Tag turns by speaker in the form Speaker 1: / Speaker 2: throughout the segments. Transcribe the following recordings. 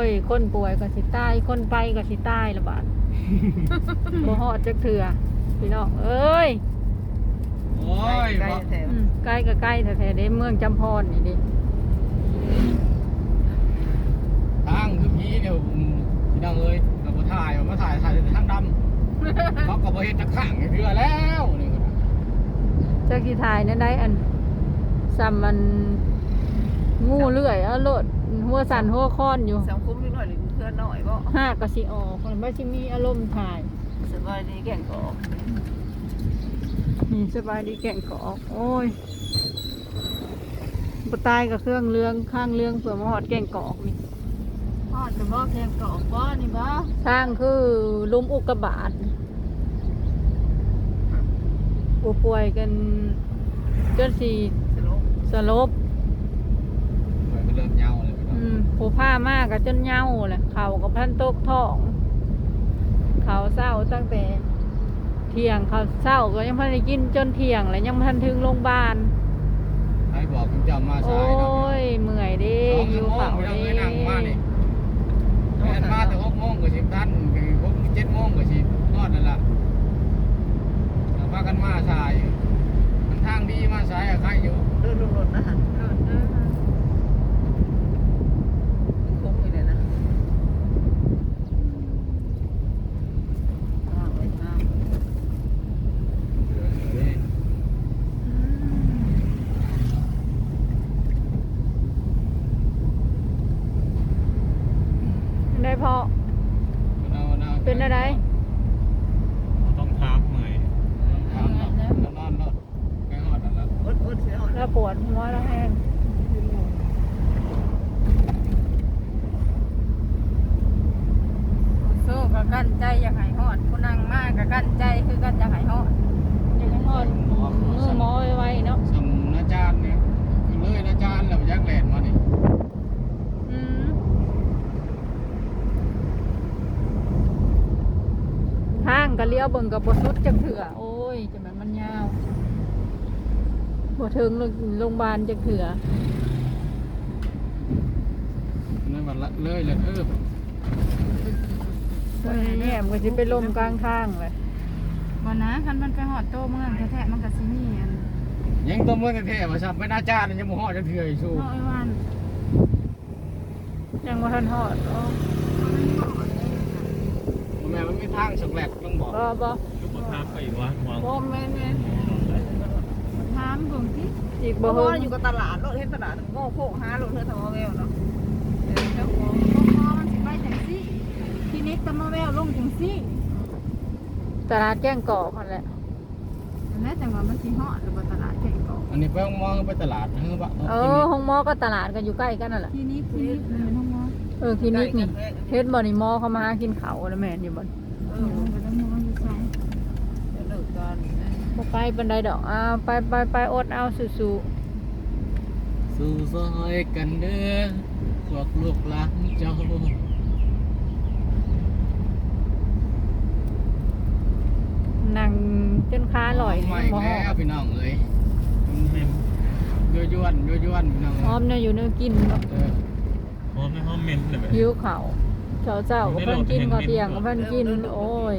Speaker 1: ยคนป่วยก็สิตายคนไปก็สิตายละบาด บ่ฮอดจักเถื่อพี่น้องเอ้ย
Speaker 2: โอ้ย
Speaker 3: ใกล้แถว
Speaker 1: ใกล้ก็ใกล้แท้ๆเด้เมืองจำพรนี่ดิ
Speaker 2: ทางคือผีเดี๋ยวพี่น้องเอ้ยเราบ่ถ่ายมาถ่ายแต่ทางดำ เขาก็บ่เฮ็ดจักข้างให้เทื่อแล้วนี่ก็
Speaker 1: จักสิถ่ายนั่นได้อันซ้ำมันงูเลื่อยเอาโลดหัวสั่นหัวค้อนอยู่
Speaker 3: สังคมนิดหน่อยหรือเพื่อนหน่อยบ่
Speaker 1: หากก็สิออกมันบ่สิมีอารมณ์ถ่าย
Speaker 3: สบายดีแก่งกอก
Speaker 1: นี่สบายดีแก่งกอกโอ้ยบ่ตายกับเครื่องเรืองข้างเรืองเผื่อมาฮอดแก่งกอกนี่
Speaker 3: ฮอดจะบ่แก่งกอกบ่นี่บ่
Speaker 1: สร้างคือลุมอุกกาบาตผู้ป่วยกันจนสิ
Speaker 3: สลบ
Speaker 1: สลบ
Speaker 2: เหมือนมันเริ่มเหงาเลยพี่น้อง
Speaker 1: ผู้ผ้ามากกับจนเหย้าแหละเขากับพันตกท้อง เขาเศร้าตั้งแต่เที่ยงเขาเศร้าก็ยังพันได้กินจนเที่ยงแล้วยังพันถึงโรงพยาบาล
Speaker 2: ให้บอกคุณเจ้ามา
Speaker 1: โอ้
Speaker 2: สายเนาะ
Speaker 1: ยเมื่อยเดิ
Speaker 2: 2
Speaker 1: หิ
Speaker 2: ชั่
Speaker 1: ว
Speaker 2: วโมง
Speaker 1: เข่า
Speaker 2: พี่น้อง
Speaker 1: เดิ
Speaker 2: เอ้ยนั่งมานี่แม่นมาแต่6 โมงก็10 ทัน6 7 โมงก็สิฮอดนั่นล่ะแล้วพากันมาสายมันทางดีมาสายอะใครอยู่
Speaker 3: เดินลงรถนะฮะคงอยู่เลยนะไว้น้ำ
Speaker 1: ได้พอเป็นอะไร
Speaker 4: ต้องถามหน่อย
Speaker 2: นอนรถไปฮอดนั่นล่ะ
Speaker 3: อดเสียหอด
Speaker 1: แล้วปวดหัวแล้วแห้ง
Speaker 3: โซ่กับกั้นใจอยากหายหอดผู้นั่งมากกับกั้นใจคือกั้นอยากหายหอด
Speaker 1: ยังไม่หอดมือหมอไว้เนาะ
Speaker 2: สำนาจารย์เนี่ยคือเลยนาจารย์แล้วยักแหลนมานี่
Speaker 1: อืมทางก็เลี้ยวเบิ่งกับบสุดจังเถื่อโอ้ยจะมันยาวบ่ถึงโรงพยาบาลจังเถื่อ
Speaker 2: นั่นมันละเลยเลย
Speaker 1: แง่มันก็สิไปลมกลางทางเลย
Speaker 3: บ่นะคันมันไปหอดโตเมืองแท้ๆมันก็สิมีอัน
Speaker 2: ยังต้มเมื่อแท้ๆมาซ้ำเป็นอาจารย์ยังบ่ฮอดจังเทื่ออีกสู้
Speaker 3: เนาะไอ้วัน
Speaker 1: ยังบ่ทันฮอดอ๋อ
Speaker 2: แม่มันมีทางสักแหลกต้องบอก
Speaker 1: บ่
Speaker 4: ยุบถามไปอีกวะวาง
Speaker 3: บ่แม่นถามเบิ่งสิ
Speaker 1: อีก
Speaker 3: บ่
Speaker 1: บ่
Speaker 3: ฮู้
Speaker 1: เฮิง
Speaker 3: อยู่กับตลาดรถเห็นตลาดโง่โคกหารถเธอทำเอาแววเนาะเจ้าของพอมันสิไปจังซี่ทีนี้ตะมาแววลงจังซี่
Speaker 1: ตลาดแก้งกอกนั่นแหละ
Speaker 3: อันนั้นจังว่ามันสิฮอดหรือบ่ตลาดแก่งกอก
Speaker 2: อันนี้ไปมองไปตลาดเฮ้ยบะ
Speaker 1: ห้องหมอก็ตลาดกันอยู่ใกล้กันนั่นแหละ
Speaker 3: ทีนี้มันเป็นห้องหมอ
Speaker 1: คลินิกนี่เฮ็ดบ่นี่หมอเขามาหากินข้าวแล้วแม่นอยู่บ่
Speaker 3: ไปต้องมองอยู่ซ้ายเดี๋ยวเลิกกัน
Speaker 1: บ่ไปบันไดดอกอ้าวไปอดเอาสู้
Speaker 2: สู้ซอยกันเด้อพวกลูกหลานเจ้า
Speaker 1: ๆนั่งจนขาลอย
Speaker 2: ใหม่
Speaker 1: บ่ฮอ
Speaker 2: แล้ว
Speaker 1: ด
Speaker 2: พี่น้องเอ้ยยั่วพี่น้อง
Speaker 1: พร้อมเนี่ยอยู่เนื้อกินเนาะ
Speaker 4: พร้อมในห้องเมนเลยแบบ
Speaker 1: หิวข้าวเช้าก็เพิ่นกินก็เที่ยงก็เพิ่นกินโอ้ย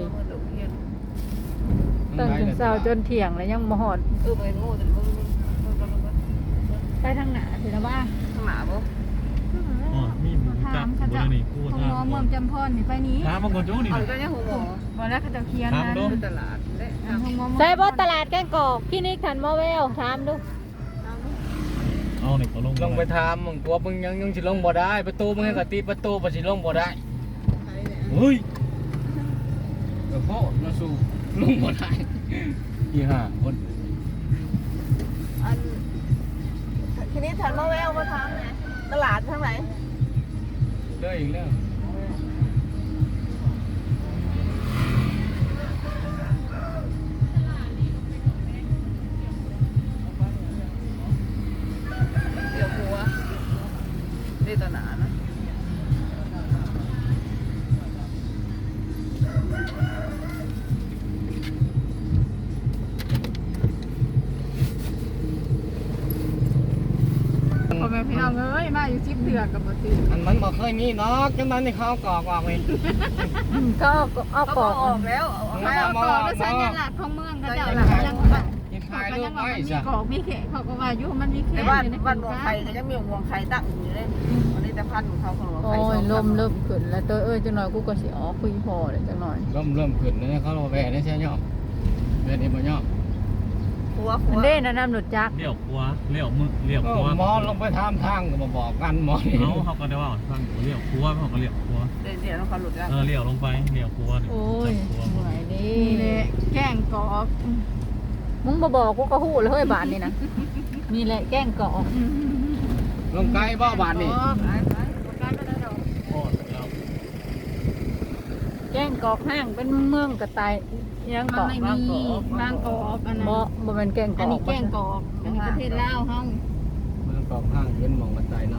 Speaker 1: ตั้งแต่เช้าจนเที่ยงแล้วยังบ่ฮอด
Speaker 3: ไปโง่แต่มึง
Speaker 1: ไปทางหน้าสินะว่า
Speaker 3: ข้างหน้าบ่
Speaker 4: อ๋อมีหมูจับบุรณีกู
Speaker 3: ห้องหมอเมืองจำพรนี่ไปนี้
Speaker 4: ถามบางคนโจ้นี่
Speaker 3: เอา
Speaker 4: นะ
Speaker 3: ก็ยังห้องหมอบ่แล้วเขาจะเคียนนะเป็นตลาดห้องหมอ
Speaker 1: ใช่บ่ตลาดแก้งกอกคลินิกทันหมอแววถามดู
Speaker 4: เอาเนี่ยเขาลง
Speaker 2: ลงไปถามมึงตัวมึงยังสิลงบ่ได้ประตูมึงให้กติประตูบ่สิลงบ่ได้
Speaker 4: เฮ้ย
Speaker 2: ก็โคตรมาสู่ลงบ่ได้ที่ห้าคน
Speaker 3: อันทีนี้ทันหมอแววมาทางไหนตลาดทางไหน
Speaker 2: เลยอีกแล้ว
Speaker 3: เดี๋ยวหัวนี่ตลาดนะ พ่อแม่พี่น้องเอ้ยมาอยู่10เดือนกับบ่ซื้อ
Speaker 2: มันบ่เคยมีเนาะจังนั้นนี่เขากอกออกเอง
Speaker 1: ก็เอา
Speaker 3: เขา
Speaker 1: ป
Speaker 3: ก็
Speaker 1: อก
Speaker 3: ออกแล้วเอาให้เอาต่อแล้วสัญลักษณ์ของเมืองเขาเจ้าล่ะยังว่า
Speaker 2: กิน
Speaker 3: เขา
Speaker 2: ขาย
Speaker 3: ก็
Speaker 2: ลู
Speaker 3: ยั
Speaker 2: ก
Speaker 3: งว่า
Speaker 2: ไม้
Speaker 3: มันมี
Speaker 2: จ้ะ
Speaker 3: กอกมีเขะเขาก็ว่าอยู่มันมีเขะ
Speaker 5: ในบ้านวงไข่ก็ยังมีวงไข่ตั้งอยู่เลยอันนี้แต่พันธุ์ของเขาของวง
Speaker 1: โอ้
Speaker 5: ไข่
Speaker 1: ยลมเริ่มขึ้นแล้วตัวจังหน่อยกูก็สิออกคุยพอเลยจังหน่อย
Speaker 2: เริ่มขึ้นแล้วเขาแหวนนี่ใช่ย่อแหวนนี่บ่ย่อ
Speaker 5: ครัว
Speaker 1: มันเด้นะน้ำหนุดจัก
Speaker 4: เลี้ยวขวาเลี้ยวมือเลี้ยวขวา
Speaker 2: หมอลงไปทำทางก็มาบอกกันหมอนี่
Speaker 4: เขาก็ได้ว่าทางเลี้ยวขวาเขาก็เลี้ยวขวา
Speaker 5: เดี๋ยวเขาหลุดแล้ว
Speaker 4: เลี้ยวลงไปเลี้ยวขวา
Speaker 1: โอ้ย
Speaker 4: ขวา
Speaker 1: เหนื่อยดิ
Speaker 3: นี่แหละแกงกอก
Speaker 1: มึงบ่บอกกูก็ฮู้เลยเฮ้ยบานนี่นะนี่แหละแกล้งกอก
Speaker 2: ลงไกลบ่บาทนี่
Speaker 5: ไปประกันไม่ได้ดอก
Speaker 4: โอ้แล้ว
Speaker 1: แกล้งกอกห้างเป็นเมืองกระต่ายยัง
Speaker 3: มั
Speaker 1: ก
Speaker 3: น
Speaker 1: อก
Speaker 3: ไม่มีบางกอกอันนั้น
Speaker 1: บ่เป็นแกล้งก
Speaker 3: อั
Speaker 1: อน ก
Speaker 3: นี้แกงกอกอันนี้ประเทศลาวเฮา
Speaker 2: มันกอกข้างขึ้นมองบันไดนอน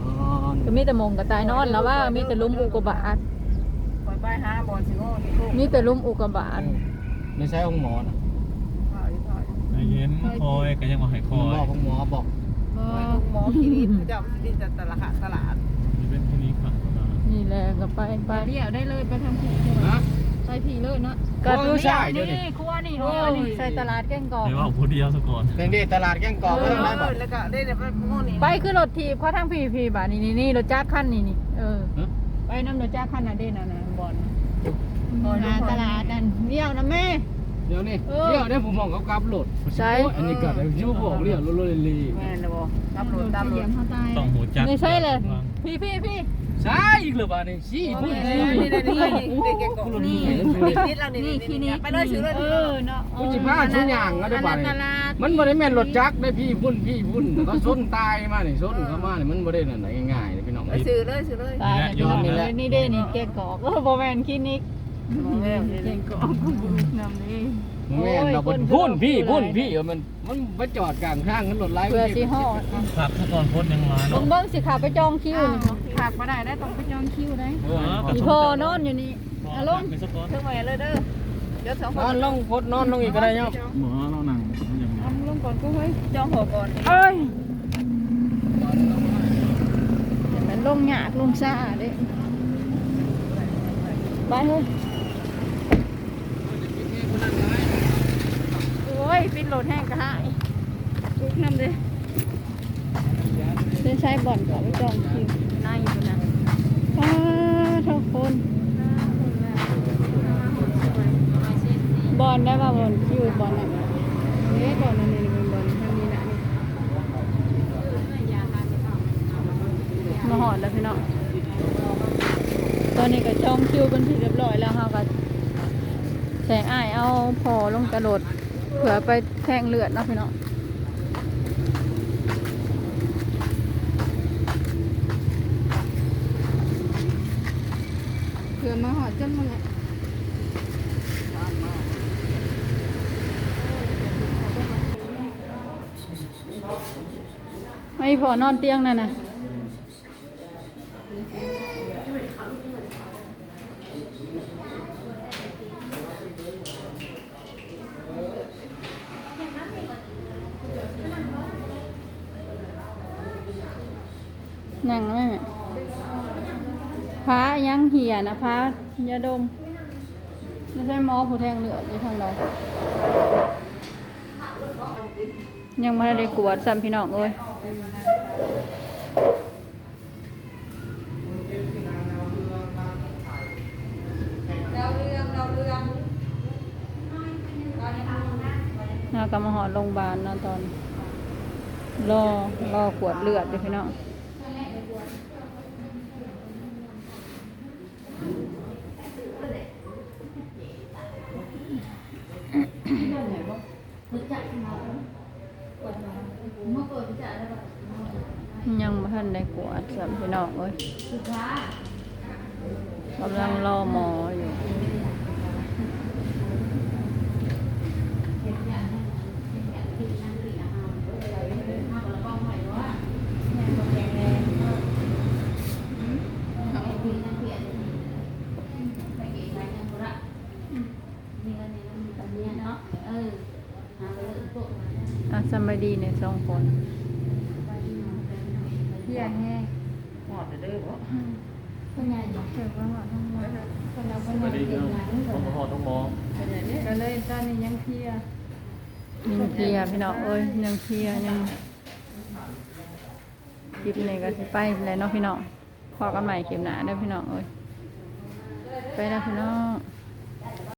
Speaker 1: ก็มีแต่มงกระต่ายนอนแล้วว่ามีแต่ลุ่มอุกกาบาต
Speaker 5: ปล่อยไปหาบอลสิโง่ที่โค้ง
Speaker 1: มีแต่ลุ่มอุกกาบาต
Speaker 2: ไม่ใช่ห้องหมอนะ
Speaker 4: ไอ้เย็นคอยก็ยังมาให้คอย
Speaker 2: บอกห้องหมอบอก
Speaker 3: บ่
Speaker 5: หมอคลินิกเจ้าคลินิกจะตลาด
Speaker 4: นี่เป็นที่นี้ค่ะ
Speaker 1: นี่แหละก็ไป
Speaker 3: ไปเดี่ยวได้เลยไปทางผี
Speaker 2: ฮะ
Speaker 3: ไปผีเลยเนาะ
Speaker 1: ก็
Speaker 2: โอ้ยใช่เดี๋ยวนี้
Speaker 1: นี่ครัวนี่โอ้ยใส่ตลาดแกล้งกอก
Speaker 4: เดี๋ยวว่าผู้เดียวซะก่อน
Speaker 2: เป็นดีตลาดแกงกอกก็ต้องได้บ่
Speaker 5: แล้วก็ได้ไปโง่นี่
Speaker 1: ไปคือรถถีบเขาทางพี่บาทนี่รถจักรคันนี่ไปน้ำรถจักรคันน่ะเด้น่ะบอลหาตลาดนั่นเดี่ยวนะแม่
Speaker 2: เดี๋ยวนี้เดี๋ยวนี้ผมมองเขากลับรถอันนี้ก็ได้ยูบอกเรียกรถลี
Speaker 5: แม่นะบ่ตำรวจตำร
Speaker 3: เห
Speaker 5: ว
Speaker 3: ยีย
Speaker 5: จ
Speaker 3: บเขาตาย
Speaker 4: ต้องหูจัก
Speaker 1: ไม่ใช่เลยพี่
Speaker 2: ใช่อีกหรือเปล่านี่ชี้พูด
Speaker 5: นี่เด็กแกงกอกนี่นิดเรานี่ไปเลยซื้อเลย
Speaker 1: เนาะ
Speaker 2: กูจิพาชุนยางก็ได้ป่ะนี่มันบ่ได้แม่นรถจักรได้พี่พุ่นเขาส้นตายมานี่ส้นเขามานี่มันบ่ได้นั่นง่ายๆพี่น้อง
Speaker 5: ไปซื้อเลยซื้อเลย
Speaker 1: ตายแล้วนี่เด้นี่แกกอกโบแมนคลินิก
Speaker 5: แม่
Speaker 3: แกงกอกนำนี่
Speaker 2: แม่นเราพุ่นพี่มันไปจอดกลางทางนั้นรถไล่
Speaker 1: เพื่อสิห่อ
Speaker 4: ครับถ้าก่อนพ้นยังร้าน
Speaker 1: เบิ่งสิขาไปจองคิวนี่
Speaker 3: ขาดมาได้ต้องไปจองคิวได้
Speaker 1: อีพ่อนอนอยู่นี่อารมณ์
Speaker 4: ไปซะก่อน
Speaker 5: ถึงไปเลยเด้อเดี๋ยวสองคน
Speaker 2: นอนลงพดนอนลงอีกก็ได้เนาะ
Speaker 4: หมอเรานั่งอย่างนี้
Speaker 3: เอาลงก่อนก็เฮ้ย
Speaker 5: จองหัวก่อน
Speaker 1: เอ้ยมันลงหยากลงซ่าเด้ไปเฮ้ยโอ้ยปิดโหลดแห้งกระหายลุกน้ำเลยใช้บ่อนก่อนไปจองคิวน่าอยู่นะทุกคนบอลได้ป่ะบอลคิวบอลอะไรนี่บอลนั่นนี่เป็นบอลท่านนี้นะมาหอดแล้วพี่น้องตอนนี้ก็จองคิวเป็นที่เรียบร้อยแล้วค่ะก็แสงอ้ายเอาพอลงกระโดดเผื่อไปแทงเลือดเนาะพี่น้อง
Speaker 3: เผื่อมาหอดจนมึงอ่ะ
Speaker 1: ไม่พอนอนเตียงนั่นน่ะนั่งไหมแม่พระยังเหี่ยนะพระยาดมไม่ใช่หมอผู้แทงเลือดอยู่ทางเรายังไม่ได้กวดซ้ำพี่น้องเอ้ยน่ากำมาหอดโรงพยาบาลนะตอนรอกวดเลือดเลยพี่น้องยังไม่ทันได้กวดซ้ำพี่น้องเอ้ยกำลังรอหมออยู่สบายดีเนี่ย2 คน
Speaker 3: เหี้ยแห้ง
Speaker 5: เด้อบ่
Speaker 1: เป็นไงเกิดว่าหอทั้งหมดคนเราเป็น
Speaker 4: สวัสดี
Speaker 1: เด็
Speaker 4: พี่
Speaker 1: ก
Speaker 4: น้อง
Speaker 1: หลาน
Speaker 4: ต้องมาหอต้องมอง
Speaker 5: เป็นอย่างนี้
Speaker 1: ก็เลยตอนนี้ยังเพลียยังเพลียพี่น้องเอ้ยยังเพลียยังคลิปนี้ก็สิไปแล้วเนาะพี่น้องพอกันใหม่คลิปหน้าเด้อพี่น้องเอ้ยไปแล้วพี่น้อง